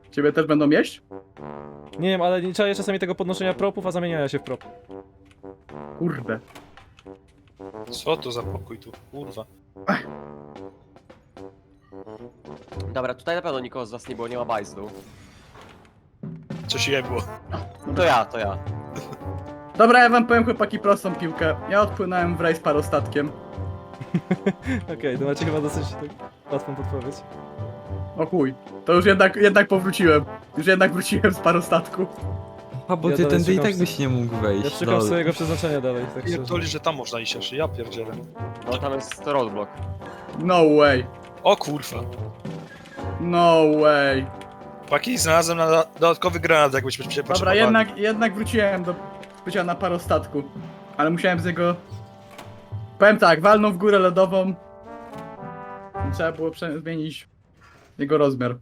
Ciebie też będą jeść? Nie wiem, ale nie czaję czasami tego podnoszenia propów, a zamieniania się w prop. Kurde. Co to za pokój tu, kurwa. Dobra, tutaj na pewno nikogo z was nie było, nie ma bajzdu. Coś jebło. To ja. Dobra, ja wam powiem chłopaki prostą piłkę. Ja odpłynąłem w raj z parostatkiem. Okej, to macie chyba dosyć tak łatwą podpowiedź. O chuj. To już jednak powróciłem. Już jednak wróciłem z parostatku. A bo Ja ty dalej tędy i szukam tak byś nie mógł wejść. Ja szukam lol. swojego przeznaczenia dalej, tak szczerze. Pierdoli, że tam można iść aż, ja pierdzielę. No tam jest roadblock. No way. O kurwa. No way. Paki, znalazłem na dodatkowy granat, jakbyśmy się Dobra, potrzebowali. jednak wróciłem do bycia na parostatku. Ale musiałem z jego... Powiem tak, walnął w górę lodową. Trzeba było zmienić jego rozmiar.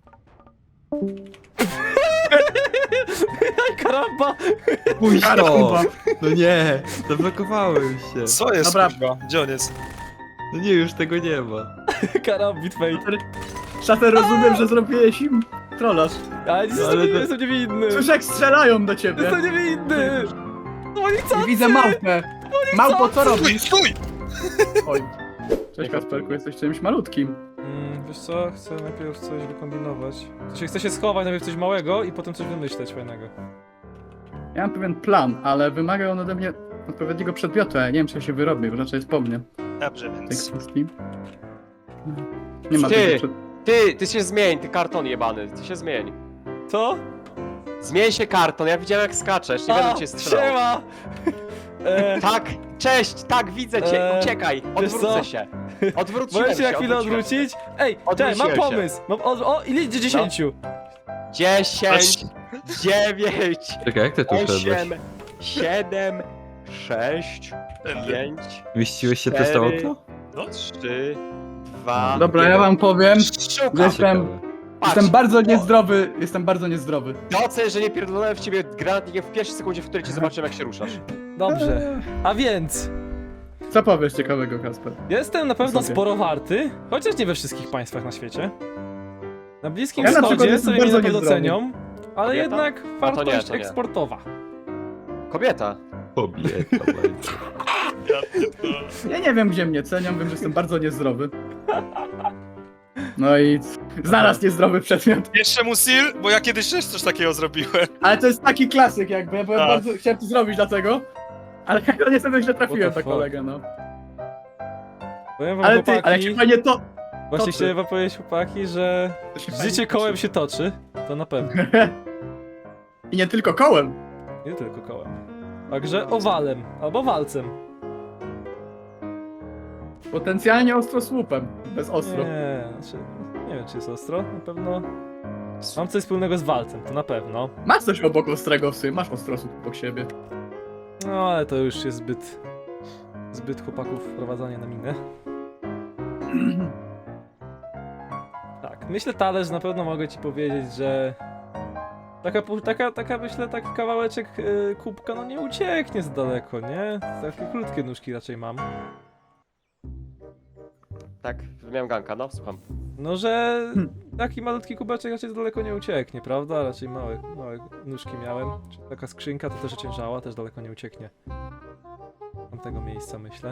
Karamba! Pójdź to! Karamba. No nie, zablokowałem się. Co jest, Dobra. kurwa? Gdzie on jest? No nie, już tego nie ma. Karambit fate. Szafer, rozumiem, że zrobiłeś im trolaż. Ale nic Ale to- jestem niewinny! Słyszę, jak strzelają do ciebie. Jestem niewinny! No i co? I widzę małpę. Małpo, co robisz? Stój! Oj. Cześć Kasperku, jesteś czymś malutkim. Wiesz co? Chcę najpierw coś wykombinować. Chcę się schować, najpierw coś małego i potem coś wymyśleć fajnego. Ja mam pewien plan, ale wymaga on ode mnie odpowiedniego przedmiotu, a ja nie wiem, czy ja się wyrobię, bo raczej jest po mnie. Dobrze, Tej więc... kwestii. Nie ma Ty! tego przed... Ty się zmień, ty karton jebany, ty się zmień. Co? Zmień się karton, ja widziałem jak skaczesz, nie będę cię strzelał. Siema! Tak, cześć, tak, widzę cię, uciekaj, wiesz odwrócę co? się. Odwróciłem Możesz się na chwilę odwróciłem odwrócić? Ej, czekaj, mam Odwróciłem się. pomysł! O, ile idzie 10? 10, 9, Czekaj, jak ty tu wszedłeś? 8, 7, 6, 5, Mieściłeś się przez to 4. okno? No, 3, 2, Dobra, ja wam powiem, Szukam. że jestem Patrz, bardzo niezdrowy, jestem bardzo niezdrowy. doceń, że nie pierdolałem w ciebie granatnikiem w pierwszej sekundzie, w której cię zobaczyłem jak się ruszasz. Dobrze. A więc, Co powiesz ciekawego, Kasper? jestem na pewno Sobie. sporo warty, chociaż nie we wszystkich państwach na świecie. Na Bliskim Ja na przykład Wschodzie jestem sobie mnie bardzo na pewno niezdrowy. cenią, ale Kobieta? jednak to nie, wartość to nie. eksportowa. Kobieta. Kobieta będzie. Ja nie wiem, gdzie mnie cenią, wiem, że jestem bardzo niezdrowy. No i znalazł niezdrowy przedmiot. Jeszcze mu seal, bo ja kiedyś też coś takiego zrobiłem. Ale to jest taki klasyk jakby, ja byłem Tak. bardzo chciałem to zrobić dlatego. Ale ja niestety źle trafiłem What the na fuck? kolegę, no. Powiem wam, Ale chłopaki, ty, ale jak się fajnie to... właśnie toczy. chciałem wam powiedzieć, chłopaki, że to się fajnie życie toczy. kołem się toczy, to na pewno, I nie tylko kołem. nie tylko kołem. Także owalem, albo walcem. Potencjalnie ostrosłupem, bez ostro. Nie wiem czy jest ostro, na pewno mam coś wspólnego z walcem, to na pewno. Masz coś obok ostrego w sumie, masz ostrosłup obok siebie. No ale to już jest zbyt chłopaków wprowadzanie na minę. Tak, myślę talerz, na pewno mogę ci powiedzieć, że taka myślę, taki kawałeczek kubka, no nie ucieknie za daleko, nie? Takie krótkie nóżki raczej mam. Tak, miałem ganka, no słucham. No, że taki malutki kubeczek raczej za daleko nie ucieknie, prawda? Raczej małe nóżki miałem. Taka skrzynka to też ociężała, też daleko nie ucieknie. Tamtego miejsca myślę.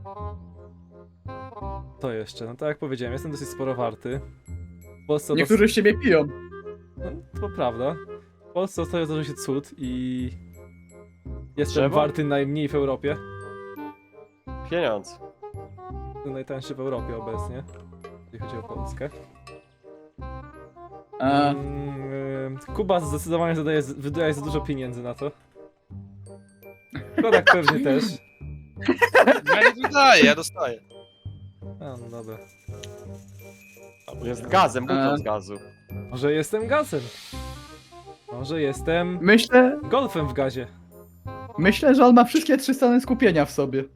To jeszcze, no tak jak powiedziałem, jestem dosyć sporo warty. W Polsce Niektórzy z ciebie piją. No, to prawda. W Polsce ostatnio zdarzył się cud i... Jestem Drzewo? warty najmniej w Europie. Pieniądz. Najtańszy w Europie obecnie. Jeśli chodzi o Polskę. A, Kuba zdecydowanie wydaje za dużo pieniędzy na to. Kodak pewnie też. Ja nie wydaję, ja dostaję. A, no dobra. Jest gazem, buton z gazu. Może jestem gazem. Może jestem golfem w gazie. myślę, że on ma wszystkie 3 strony skupienia w sobie.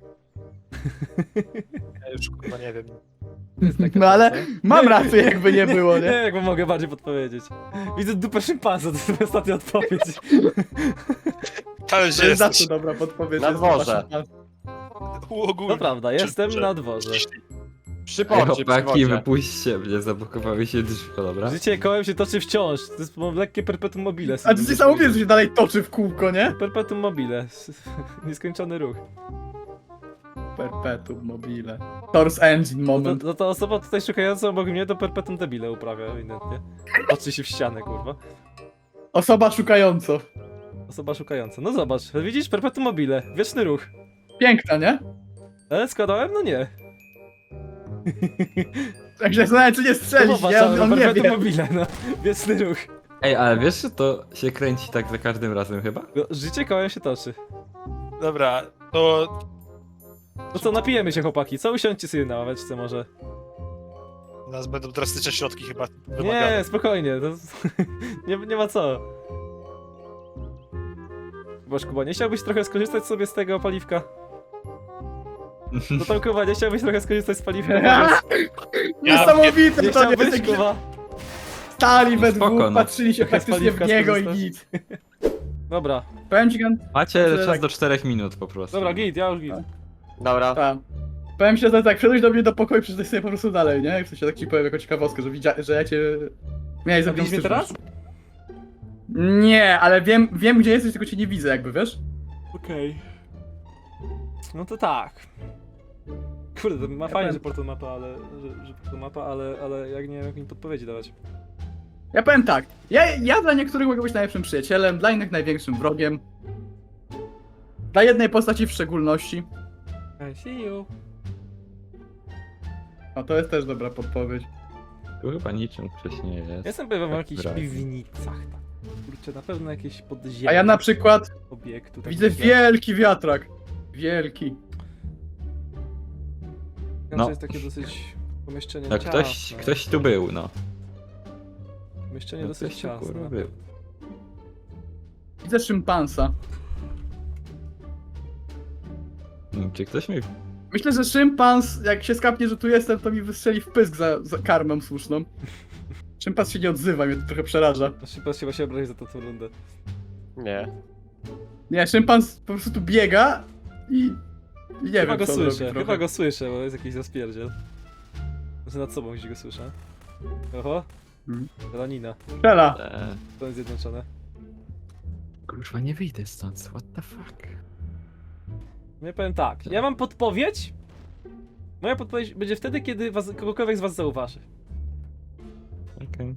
Ja już kurwa nie wiem. No ale mam rację, jakby nie było, Nie nie? wiem, jak wam mogę bardziej podpowiedzieć. Widzę dupę szympansa, to jest ostatnia odpowiedź. Ale To gdzie jest zawsze jesteś? dobra podpowiedź. Na jest dworze. wasza- U ogólnie. To prawda, jestem Czy- na dworze. Przy Ej, porcie, przy chłopaki, wodzie. wypuśćcie mnie, zablokowały się drzwi, dobra? Życie kołem się toczy wciąż. To jest lekkie perpetuum mobile. A ty sam mówisz, że się dalej toczy w kółko, nie? Perpetuum mobile. Nieskończony ruch. Perpetuum mobile. Source engine moment. No to osoba tutaj szukająca obok mnie to perpetuum debile uprawia ewidentnie. Patrzy się w ścianę, kurwa. Osoba szukająca. Osoba szukająca. No zobacz, widzisz? Perpetuum mobile. Wieczny ruch. Piękna, nie? Ale składałem? No nie. Także zastanawiam, czy nie strzelić, nie? On nie perpetuum wie. mobile, no. Wieczny ruch. Ej, ale wiesz, że to się kręci tak za każdym razem chyba? No, życie kołem się toczy. Dobra, to No co, napijemy się chłopaki. Co, usiądźcie sobie na ławeczce może. u nas będą drastyczne środki chyba wymagane. Nie, spokojnie. To... nie ma co. Boż Kuba, nie chciałbyś trochę skorzystać sobie z tego paliwka? No tam Kuba, nie chciałbyś trochę skorzystać z paliwka? Powiedz. Niesamowite Nie to nie chciałbyś, jest. Kuba? Stali we Spoko, dwóch, no. patrzyli się Trochę z praktycznie w paliwka niego i skorzystasz? git. Dobra, Powiem ci, Gan- Macie Że czas tak- do 4 minut po prostu. dobra, git, ja już git. Dobra. tak. Powiem ci, że tak, wszedłeś do mnie do pokoju, przeczytaj sobie po prostu dalej, nie? W sensie tak ci powiem jako ciekawostkę, że ja cię... Miałeś A widzisz mnie teraz? Nie, ale wiem gdzie jesteś, tylko cię nie widzę jakby, wiesz? Okej. No to tak. Kurde, to ma Ja fajnie, powiem- że portal mapa, ale... że portal mapa, ale jak nie wiem, jak mi podpowiedzi dawać. Ja powiem tak, ja dla niektórych mogę być najlepszym przyjacielem, dla innych największym wrogiem. Dla jednej postaci w szczególności. I see you. O, to jest też dobra podpowiedź. Tu chyba niczym wcześniej jest. Ja jestem pewien o Tak jakichś wyraźnie. piwnicach tam. Kurczę, na pewno jakieś podziemie. A ja na przykład obiektu. tak widzę myślę. wielki wiatrak. Wielki. To No. jest takie dosyć pomieszczenie No ciasne. ktoś tu był, no. Pomieszczenie No, dosyć ktoś tu, kurwa, ciasne. był. Widzę szympansa. Czy ktoś mi... Myślę, że szympans, jak się skapnie, że tu jestem, to mi wystrzeli w pysk za karmę słuszną. Szympans się nie odzywa, mnie to trochę przeraża. Szybko się właśnie obrazi za tą rundę. Nie. Nie, szympans po prostu tu biega i nie Chyba wiem, go co słyszę, robi trochę. chyba go słyszę, bo jest jakiś zaspierdziel. Może nad sobą gdzieś go słyszę. Oho. Mhm. Lanina. Strzela. Stany Zjednoczone. Kurwa, nie wyjdę stąd, what the fuck? Ja powiem tak, ja mam podpowiedź. Moja podpowiedź będzie wtedy, kiedy kogokolwiek z was zauważy. Okej.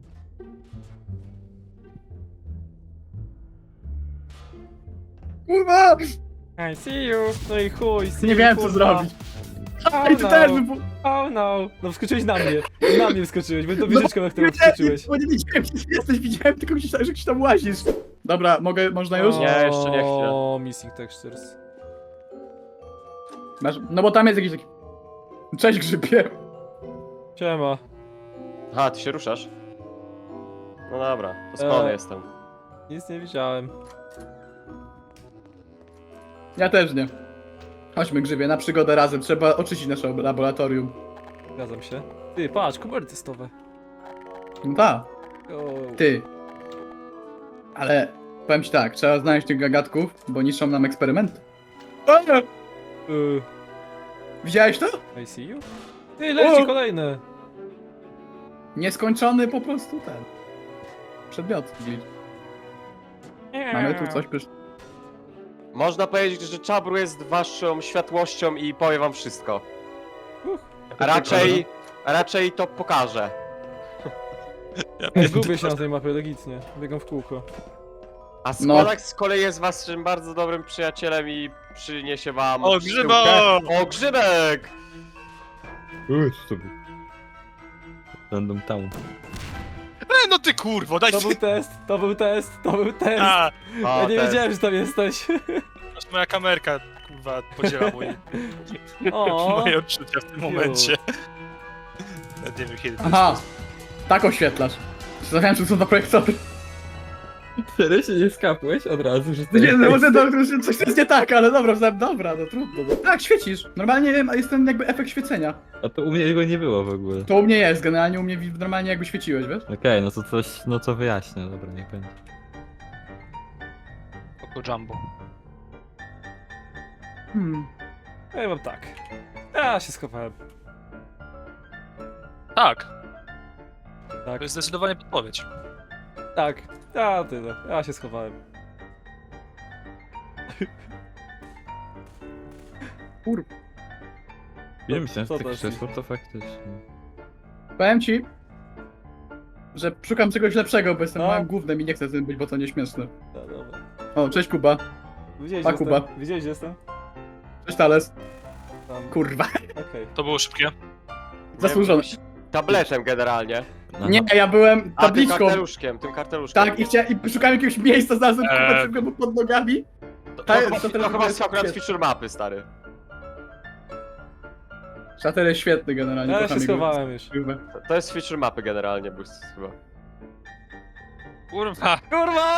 Kurwa! I see you. No i chuj, see Nie you, wiem, co kurwa. zrobić. Oh Ej, ty no. też by... Oh no. No wskoczyłeś na mnie. Na mnie wskoczyłeś, bo to wieżyczką, na którą wskoczyłeś. Bo nie widziałem, gdzie jesteś, widziałem tylko, że gdzieś tam łazisz. Dobra, można już? Nie, jeszcze nie chwilę. O, missing textures. Masz, no bo tam jest jakiś taki... Cześć grzybie. Siema. Aha, ty się ruszasz? No dobra, to spalony jestem. Nic nie widziałem. Ja też nie. Chodźmy grzybie, na przygodę razem, trzeba oczyścić nasze laboratorium. Zgadzam się. Ty, patrz, kubery testowe. No tak, O, ty. Ale powiem ci tak, trzeba znaleźć tych gagatków, bo niszczą nam eksperymenty. O, nie! Widziałeś to? I see you? Ty, leci O! kolejne. Nieskończony po prostu ten. Przedmiot. Mamy tu coś pysz... Można powiedzieć, że Czabru jest waszą światłością i powie wam wszystko. A raczej to pokaże. Zgubię się na tej mapie, legitnie. Biegam w kółko. A No. Skolak z kolei jest waszym bardzo dobrym przyjacielem i przyniesie wam... O, pszczółkę. grzybo! O, grzybek! Co to był? Random Town. No ty kurwo, daj To ty... był test, to był test, to był test. A, Ja O, nie ten. wiedziałem, że tam jesteś. aż moja kamerka, kurwa, podziela O. moje odczucia w tym momencie. Nawet nie wiem kiedy to Aha! jest. Tak oświetlasz. Zastanawiałem się, co są za projektory. Serio się nie skapłeś od razu, że to Nie, jest... no może to coś jest nie tak, ale dobra, no trudno. No. Tak, świecisz. Normalnie jest ten jakby efekt świecenia. A to u mnie go nie było w ogóle. To u mnie jest, generalnie u mnie normalnie jakby świeciłeś, wiesz? Okej, no to coś, no to wyjaśnię, dobra, niech będzie. Oko Jumbo. Hmm. Ja mam tak. Ja się schowałem. Tak, Tak, to jest zdecydowanie podpowiedź. tak. Ja tyle. Ja się schowałem. Nie myślałem, co że to tak jest? krzesło to faktycznie. Powiem ci, że szukam czegoś lepszego, bo jestem No. małym gównem i nie chcę z tym być, bo to nieśmieszne. No, dobra. O, cześć Kuba. Widziałeś, A, że Kuba. jestem? Widziałeś, że jestem? Cześć Thales. Tam. Kurwa. Okej. To było szybkie. Zasłużone. Tabletem generalnie. No, Nie, ja byłem A, tym tabliczką. karteluszkiem, tym karteluszkiem. Tak, i szukałem jakiegoś miejsca, znalazłem Kuba szybko mu pod nogami. To Ta- chyba, to to teraz chyba jest jest akurat świetne. feature mapy, stary. Szater jest świetny generalnie. Ja kocham się jego schowałem już. filmy. To jest feature mapy generalnie, Boost chyba. Kurwa. Kurwa!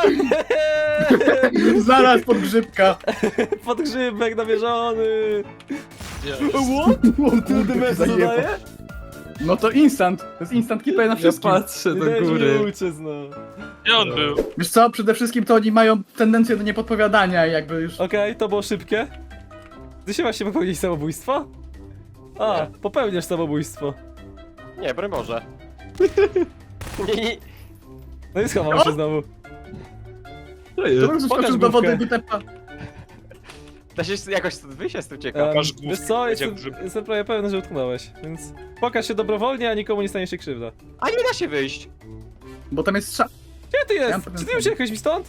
Zaraz pod grzybka. Podgrzybek namierzony! Jest. What? Ty DMS dodaje? No to instant. To jest instant keeper na Ja wszystkim. patrzę do Nie góry. uciec, no. Gdzie on był? Wiesz co, przede wszystkim to oni mają tendencję do niepodpowiadania i jakby już... Okej, to było szybkie. Ty się właśnie popełnić samobójstwo? A, popełniasz samobójstwo. Nie, broń Boże. Nie. No i schował się znowu. To To jest. bym Pokaż skoczył do główkę. wody, by tepa. Da się jakoś stąd wyjść, jestem ciekaw. Masz główkę, Wiesz co, będzie jestem, grzyb. jestem prawie pewny, że utknąłeś, więc pokaż się dobrowolnie, a nikomu nie stanie się krzywda. A nie da się wyjść. Bo tam jest Gdzie ty Ja jest? mam Czy ty pewien uciekłeś mi stąd?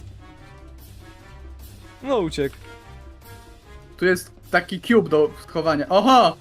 No uciekł. Tu jest taki cube do schowania. Oha!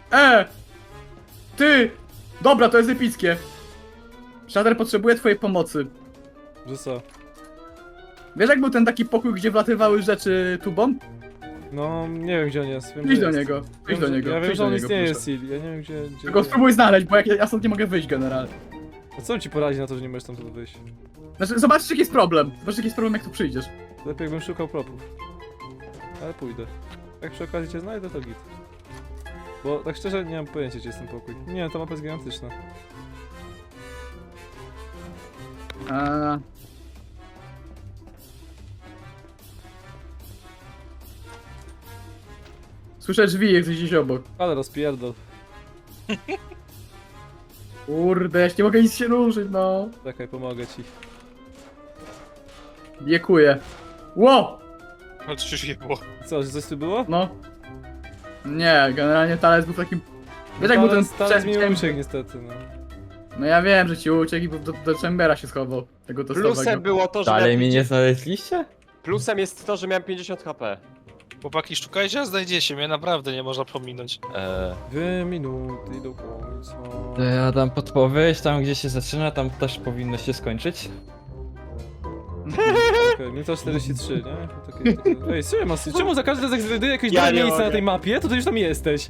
Ty! Dobra, to jest epickie. Shader potrzebuje twojej pomocy. Że co? Wiesz jak był ten taki pokój, gdzie wlatywały rzeczy tubą? No, nie wiem gdzie on jest. Wiem, Idź gdzie do jest. niego. Idź Wiem, do że- niego. Ja wiem, Idź że do on niego, istnieje, proszę. Sil. Ja nie wiem gdzie... Tylko spróbuj znaleźć, bo ja stąd nie mogę wyjść generalnie. A co ci poradzi na to, że nie możesz tam wyjść? Znaczy, zobaczcie jaki jest problem. Zobaczcie jaki jest problem, jak tu przyjdziesz. Lepiej jakbym szukał propów. Ale pójdę. Jak przy okazji cię znajdę, to git. Bo tak szczerze nie mam pojęcia gdzie jest ten pokój. Nie, ta mapa jest gigantyczna. A... Słyszę drzwi, jesteś gdzieś obok. Ale rozpierdol. Kurde, ja nie mogę nic się ruszyć, no. Czekaj, pomogę ci. Biekuję. Ło! Ale coś już nie było. Co, że coś tu było? No. Nie, generalnie Thales był takim... Wiesz jak był ten... Stary mi chciałem- uciekł niestety, no. No ja wiem, że ci uciekł i do Chambera się schował. Tego testowego. Plusem było to, że Dalej miałem mnie nie 50... znaleźliście? Plusem jest to, że miałem 50 HP. Chłopaki, szukajcie, a znajdziecie mnie, naprawdę nie można pominąć. 2 minuty do końca. To ja dam podpowiedź, tam gdzie się zaczyna, tam też powinno się skończyć. Okej, minuta 43, nie? Takie... Ej, czemu za każdym razem jak znajduję jakieś Ja dobre nie miejsce na mogę. tej mapie, to ty już tam jesteś?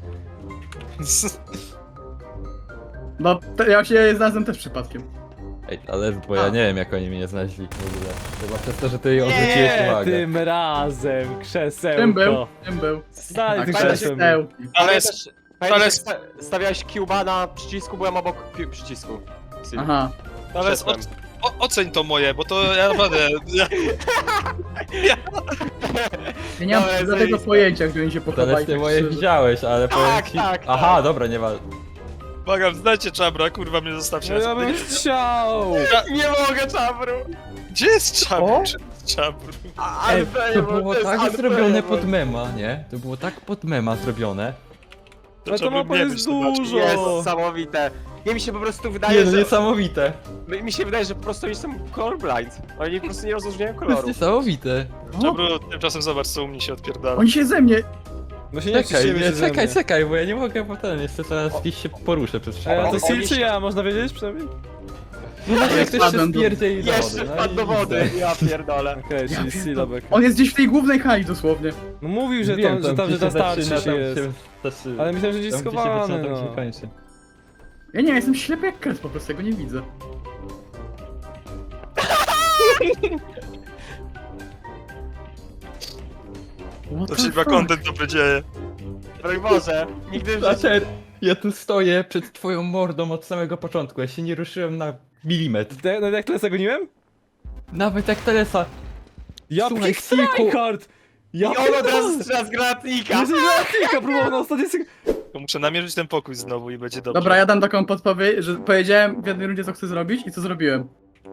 No, ja się znalazłem też przypadkiem. Ej, ale bo ja A. nie wiem jak oni mnie znaleźli w ogóle. Chyba przez to, że ty odwróciłeś Nie, uwagę. tym razem, krzesełko. Czym był? Czym był? Daj Tak, tym fajnie krzesłem. steł. Ale Pamiętasz, ale- stawiałeś cuba na przycisku, byłem obok przycisku. Sil. Aha. Ale Przeszłem. oceń to moje, bo to ja naprawdę... Ja nie mam Dobra, żadnego zajebiste. pojęcia, gdzie oni się pochowali. Zależy tak moje szczerze. widziałeś, ale powiem Tak, ci... tak, Aha, tak. dobra, nie ma... Błagam, znajcie Czabra, kurwa mnie zostawcie. No ja bym chciał! Nie mogę, czabru! Gdzie jest Czabr? O? Czy Czabr? Ej, to było tak zrobione pod mema, nie? To było tak pod mema zrobione. Ale to Czabr mapa nie jest być, zobacz. dużo! Niesamowite. Nie, mi się po prostu wydaje, Nie, no że... niesamowite. Mi się wydaje, że po prostu oni są colorblind. Oni po prostu nie rozróżniają To jest kolorów. niesamowite. Czabru, tymczasem zobacz co u mnie się odpierdala. Oni się ze mnie... No się nie Czekaj, cieszymy nie, się ze mnie. czekaj, bo ja nie mogę potem, jeszcze teraz gdzieś się poruszę przez A przypadek. to Sil czy ja, można wiedzieć przynajmniej? No właśnie, jak ktoś się Spadłem do- spierdzieli do wody. Jeszcze no wpadł i do wody, widzę. ja pierdolę. Okej, Ja czyli pierdolę. Silabek. On jest gdzieś w tej głównej hali dosłownie. No mówił, że Wiem, tam, że gdzie ta się starczy zaczyna, się tam jest. się zaczyna. Ale myślałem, że gdzieś Tam, gdzie się zaczyna, schowany, tam się no. kończy. Ja nie wiem, jestem ślepy jak kres po prostu, ja go nie widzę. What To the się chyba fuck? content dobry dzieje. Broń Boże, nigdy w życiu... Zacer, ja tu stoję przed twoją mordą od samego początku, ja się nie ruszyłem na milimetr. No jak tyle zagoniłem? Nawet jak Telesa. Ja Słuchaj, Tryhard! Ja I on od razu strzela z granatnika! Jesteś granatnika, próbował na ostatniej To muszę namierzyć ten pokój znowu i będzie dobrze. Dobra, ja dam taką podpowiedź, że powiedziałem w jednej rundzie, co chcę zrobić i co zrobiłem.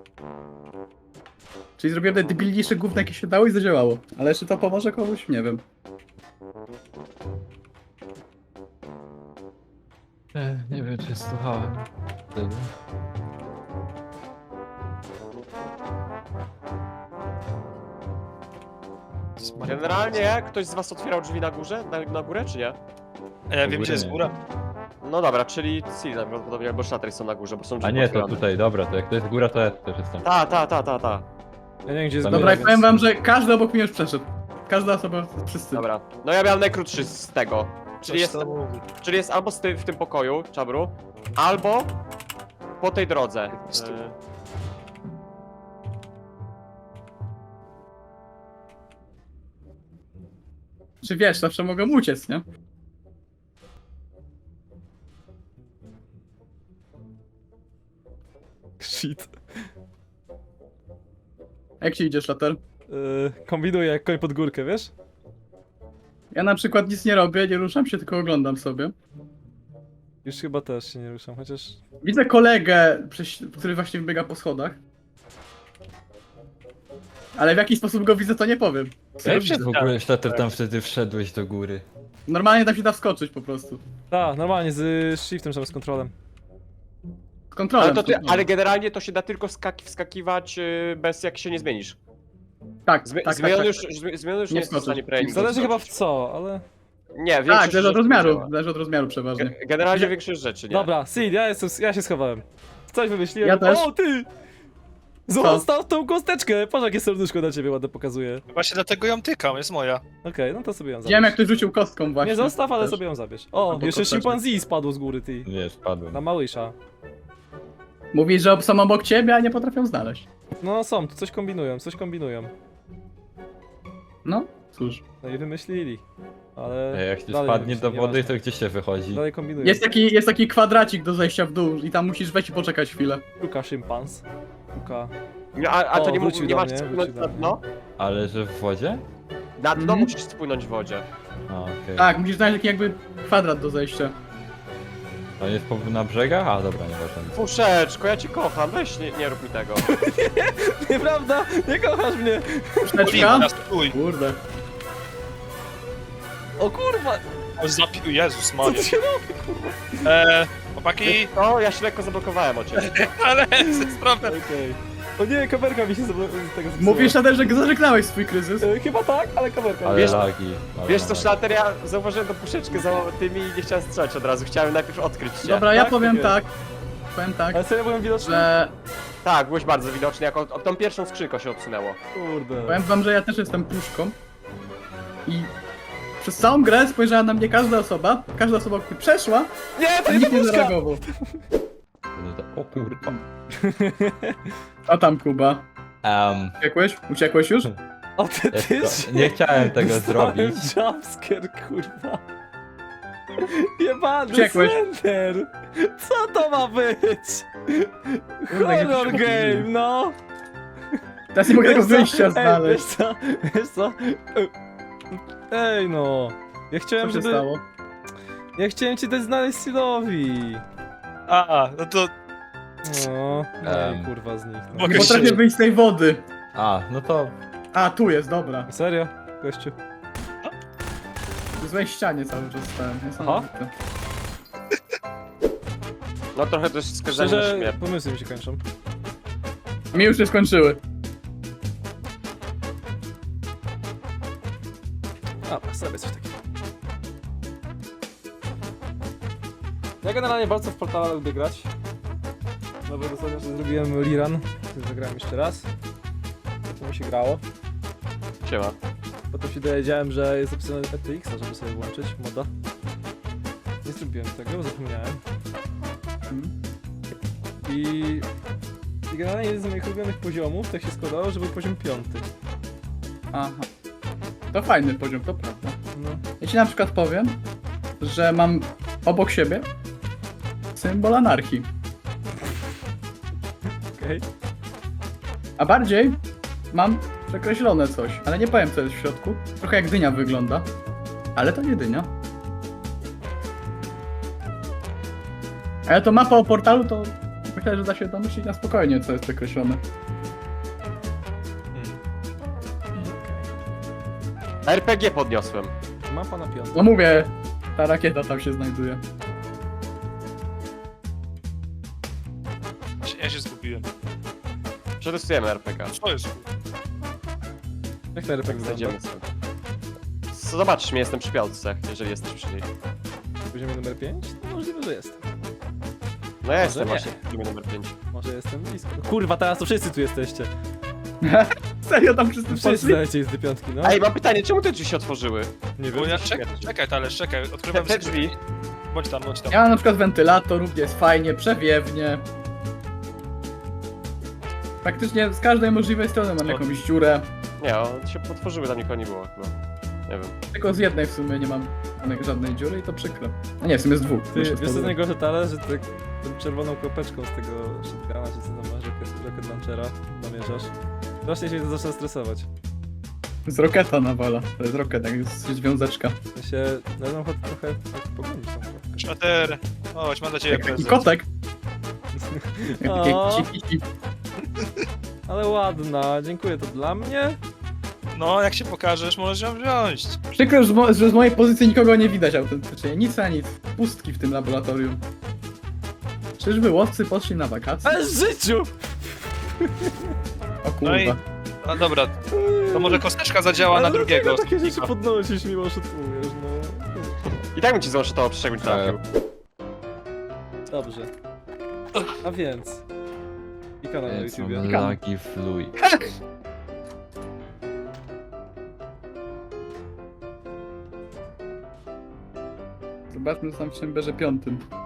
Czyli zrobiłem te debilniejsze gówno, jakie się dało i zadziałało. Ale jeszcze to pomoże komuś? Nie wiem. Nie wiem, czy słuchałem tego. Generalnie ktoś z was otwierał drzwi na górze? Na górę, czy nie? A ja wiem, gdzie jest nie. góra. No dobra, czyli Sil najprawdopodobniej albo Shattery są na górze, bo są drzwi A nie, to otwierane. tutaj, dobra, to jak to jest góra, to ja też jestem. Ta. Ja nie wiem, gdzie jest Dobra, Dobra, i góra, powiem więc- wam, że każdy obok mnie już przeszedł. Każda osoba, wszyscy. Dobra. No ja miałem najkrótszy z tego. Czyli Coś jest, tam mówi. czyli jest albo w tym pokoju, Czabru, albo po tej drodze. prostu. Czy wiesz, zawsze mogą uciec, nie? Shit. Jak ci idziesz, Later? Kombinuję jak koń pod górkę, wiesz? Ja na przykład nic nie robię, nie ruszam się, tylko oglądam sobie. Już chyba też się nie ruszam, chociaż... Widzę kolegę, który właśnie wybiega po schodach. Ale w jaki sposób go widzę, to nie powiem. Jak się w ogóle, Sztater, tam wtedy wszedłeś do góry? Normalnie tam się da wskoczyć po prostu. Tak, normalnie z shiftem, z kontrolem. Z kontrolą. Ale, ale generalnie to się da tylko wskakiwać bez jak się nie zmienisz. Tak, Zmieniony tak. już nie Nie jest w wskoczysz. stanie premium. Zależy chyba w co, ale... Nie, Tak, większość zależy od rzeczy rozmiaru. działa. Zależy od rozmiaru przeważnie. Generalnie większość rzeczy, nie? Dobra, Sid, ja się schowałem. Coś wymyśliłem. Ja też. O, ty! Zostaw tą kosteczkę! Patrz, jakie serduszko na ciebie ładne pokazuje. Właśnie dlatego ją tykam, jest moja. Okej, no to sobie ją zabierz. Widziałem, jak ktoś rzucił kostką właśnie. Nie zostaw, ale Też. sobie ją zabierz. O, Albo jeszcze kosteczkę. szympanzee spadło z góry, ty. Nie, spadłem. Na małysza. Mówisz, że są obok ciebie, a nie potrafią znaleźć. No są, tu coś kombinują. No, cóż. No i wymyślili. Ale... Jak się dalej spadnie do wymyślili, wody, nieważne. to gdzie się wychodzi? Dalej kombinują. Jest taki kwadracik do zejścia w dół i tam musisz wejść i poczekać chwilę. Szuka szympans. Szuka... A to O, nie, wrócił nie do masz mnie, spłynąć wrócił na do dno? Ale że w wodzie? Na dno Mhm. musisz spłynąć w wodzie. A, okej. Tak, musisz znaleźć taki jakby kwadrat do zejścia. To jest na brzegach? A, dobra, nieważne. Puszeczko, ja cię kocham, weź nie rób mi tego. Nieprawda! Nie kochasz mnie! Puszeczka? Teraz stój. Kurde. O kurwa! Zapił, Jezus Co Maria. ty się robi, kurwa? Chłopaki, O, ja się lekko zablokowałem o ciebie. ale jest problem. Okej. O nie, kamerka mi się z tego zepsuła. Mówisz, Shader, że zażegnałeś swój kryzys? Chyba tak, ale kamerka. Ale Wiesz- lagi. Ale Wiesz co, lagi. Szlater, ja zauważyłem tą puszeczkę za tymi i nie chciałem strzelać od razu. Chciałem najpierw odkryć cię. Dobra, ja tak? powiem Okej. tak. Powiem tak, Ale serio byłem widoczny? że... Tak, byłeś bardzo widoczny, jak od tą pierwszą skrzynką się odsunęło. Kurde. Powiem wam, że ja też jestem puszką. I... Przez całą grę spojrzała na mnie każda osoba, która przeszła, Nie, a to nie nikt nie puszka! zareagował. O kurwa. A tam Kuba. Um, Uciekłeś? Uciekłeś już? O ty nie chciałem tego Dostałem zrobić. jumpscare, kurwa. Jebany Uciekłeś. Slender! Co to ma być? Kurde, jak Horror się game, no! Teraz nie mogę tego Wiesz co? wyjścia Ej, znaleźć. wiesz co? Ej no! Ja chciałem, Co się żeby... stało? Ja chciałem ci dać znaleźć Silowi! No to No, kurwa z nich. No. Mogę Nie potrafię się- wyjść z tej wody. A, no to... A, tu jest, dobra. Serio? Gościu. W złej ścianie cały czas stałem. Niesamowite. No trochę to jest skazanie na Szczerze, śmierć. pomysły mi się kończą. Mi już się skończyły. A, sobie coś takiego. Ja generalnie bardzo w Portala lubię grać. Nawet ostatnio, że zrobiłem Liran. Zagrałem jeszcze raz. To mi się grało. Siema. Potem się dowiedziałem, że jest opisane FTX, żeby sobie włączyć moda. Nie zrobiłem tego, bo zapomniałem. I generalnie jeden z moich ulubionych poziomów, tak się składało, że był poziom 5. Aha. To fajny poziom, to prawda. No. Ja ci na przykład powiem, że mam obok siebie symbol anarchii. Okej. A bardziej mam przekreślone coś, ale nie powiem co jest w środku. Trochę jak dynia wygląda. Ale to nie dynia. Ale to mapa o portalu, to myślę, że da się domyślić na spokojnie, co jest przekreślone. RPG podniosłem. Mapa na piątkę. No mówię, ta rakieta tam się znajduje. Ja się zgubiłem. Przetestujemy RPG. Co jest? Jak ten RPG Znajdziemy sobie. Zobaczysz mnie, jestem przy piątce, jeżeli jesteś przy niej. Poziomie numer 5? No możliwe, że jest. No ja jestem nie. właśnie w poziomie numer 5. Może jestem blisko. Kurwa, teraz to wszyscy tu jesteście. Serio tam wszyscy Wszyscy poszli? dajecie z tej piątki, no. Ej, mam pytanie, czemu te drzwi się otworzyły? Nie Bo wiem. ja czekaj, Talerz, czekaj. Odkrywam Te drzwi. Bądź tam, bądź tam. Ja mam na przykład wentylator, gdzie jest fajnie, przewiewnie. Praktycznie z każdej możliwej strony mam jakąś dziurę. Nie, one się otworzyły, tam nikogo nie było chyba. Nie wiem. Tylko z jednej w sumie nie mam żadnej dziury i to przykro. A nie, w sumie z dwóch. Ty, Muszę wiesz co spróbować. najgorsze tale, że ty tą czerwoną kropeczką z tego shotguna, czy co tam masz, rocket launchera, namierzasz. Strasznie się to zaczyna stresować. Z roketa nawala. To jest roket, jak jest związeczka. Ja się, no mam ochotę trochę tak pogonić tam chyba. Szmater. Chodź, mam dla ciebie Jak taki prezent. kotek. Jak takie O. ciki. Ale ładna, dziękuję, to dla mnie? No, jak się pokażesz, możesz ją wziąć. Przykro, że z mojej pozycji nikogo nie widać autentycznie. Nic a nic. Pustki w tym laboratorium. Czyżby łowcy poszli na wakacje? Ale w życiu! O No i- kurwa. No dobra, to może kosteczka zadziała na Ale drugiego. dlaczego takie rzeczy podnosisz, mimo że tujesz, no. I tak bym ci złożył to, jakbym trafił. Dobrze. A więc... I kanał na Jest, YouTubie. mam lagi fluj. Zobaczmy, co tam w Chamberze 5.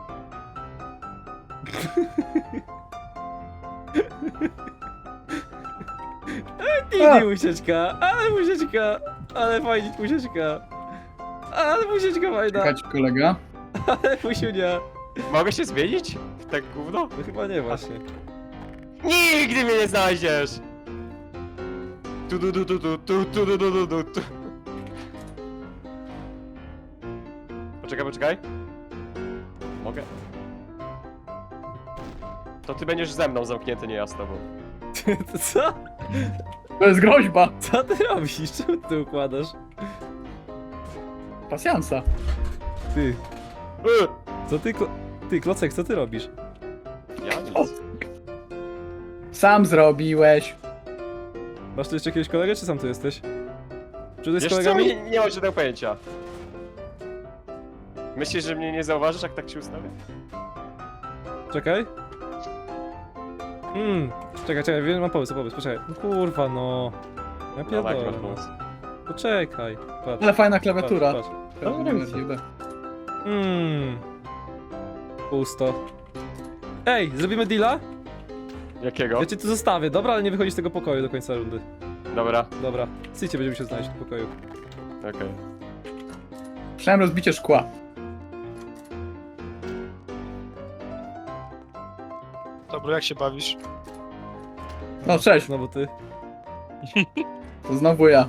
Nigdy musieczka, ale musieczka, ale fajnie musieczka. Ale musieczka fajna, Czekać kolega. ale musiunia. Mogę się zmienić? W tak gówno? No chyba nie właśnie. Nigdy mnie nie znajdziesz! Tu du du du du tu tu du du du du tu. Poczekaj. Mogę? To ty będziesz ze mną zamknięty, nie ja z tobą. To co? To jest groźba. Co ty robisz? Czemu ty układasz? Pasjansa. Ty, co ty, ty Klocek, co ty robisz? Ja nic. Sam zrobiłeś. Masz tu jeszcze jakiegoś kolegę, czy sam tu jesteś? Czy ty z Wiesz co, kolegami? nie mam żadnego pojęcia. Myślisz, że mnie nie zauważysz, jak tak się ustawię? Czekaj. Czekaj, wiem, mam pomysł, poczekaj. No kurwa, no. Ja No, jaki pierdolę, masz no. pomysł? Poczekaj, patrz. Ale fajna klawiatura. Patrz. Nie wiem. Pusto. Ej, zrobimy deala? Jakiego? Ja cię tu zostawię, dobra, ale nie wychodzi z tego pokoju do końca rundy. Dobra, Dobra, Sycie będziemy się znaleźć w tym pokoju. okej. Słyszałem rozbicie szkła. Dobra, jak się bawisz? No cześć, Znowu ty. to znowu ja.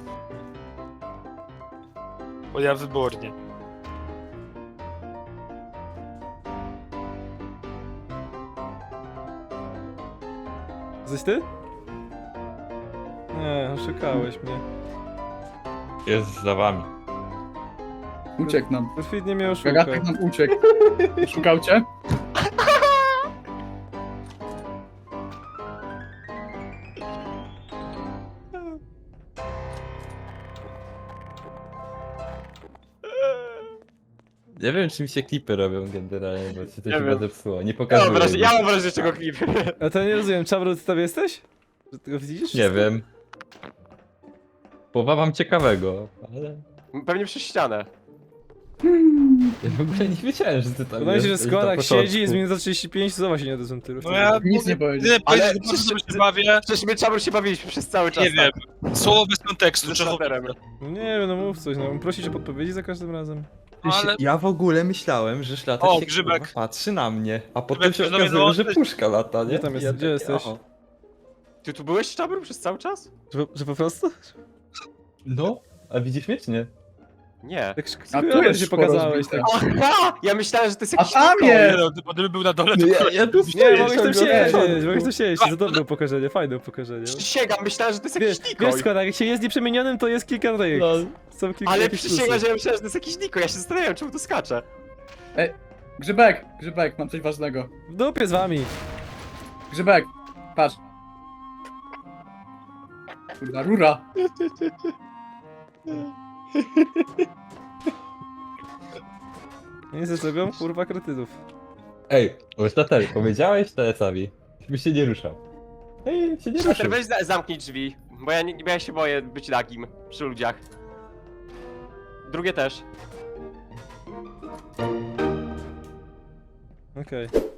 Bo ja wybornie. Jesteś ty? Nie, oszukałeś mnie. Jest za wami. Uciekł nam. Perfidnie mnie oszukał. Gagatek nam uciekł. Szukał cię? Nie wiem, czy mi się klipy robią generalnie, bo się to Nie chyba wiem. zepsuło. Nie Ja pokazuję. mam wrażenie, mi. ja mam wrażenie, czego klip. A to nie rozumiem, Czabru, ty tam jesteś? Że ty go widzisz? Nie wiem. Połowa mam ciekawego, ale... Pewnie przez ścianę. Ja w ogóle nie wiedziałem, że ty tam Wydaje mi się, że jesteś skoro na jak początku. siedzi, jest minuta 35, to zobacz się nie odezwą tylu. No ja Nic nie powiedział. Jedyne Ale powiedzieć, że przecież- bardzo dobrze się bawię. Przecież my czabur się bawiliśmy przez cały czas. Nie wiem. Słowo bez kontekstu. Ze Trzeba... szlaterem. No nie wiem, no mów coś, no prosić o podpowiedzi za każdym razem. Ale... Ja w ogóle myślałem, że szlatek O, się grzybek. kurwa patrzy na mnie, a potem Grzybek się się do mnie okazuje, że dołączyć. puszka lata, nie? Gdzie tam I jest- gdzie takie, jesteś? aha. Ty tu byłeś czabur przez cały czas? Że po prostu? No, a widzisz mnie czy nie? Nie. Tak A tu skoro jest się szporo pokazałeś. zbite. Tak. Aha! Ja myślałem, że to jest A jakiś tam Niko. jest! No, gdyby był na dole, to Ja tu Nie, stoję mogłeś tam ciągle od siedzieć, początku. mogłeś tam siedzieć. To dobre upokorzenie, fajne upokorzenie. Przysięgam, myślałem, że to jest Wiesz, jakiś Niko. wiesz skoro, jak się jest nieprzymienionym, to jest kilka tych. Lol. Są kilka Ale jakichś przysięgam, plusów. że ja myślałem, że to jest jakiś Niko. Ja się zastanawiam, czemu to skacze. Grzybek, Grzybek, mam coś ważnego. W dupie z wami. Grzybek, patrz. Kurwa, rura. Nie zrobią, kurwa, kretydów. Ej, Ostatel, powiedziałeś TS-owi, żeby się nie ruszał. Ej, się nie Shatter, ruszył. weź zamknij drzwi, bo ja się boję być nagim przy ludziach. Drugie też. Okej.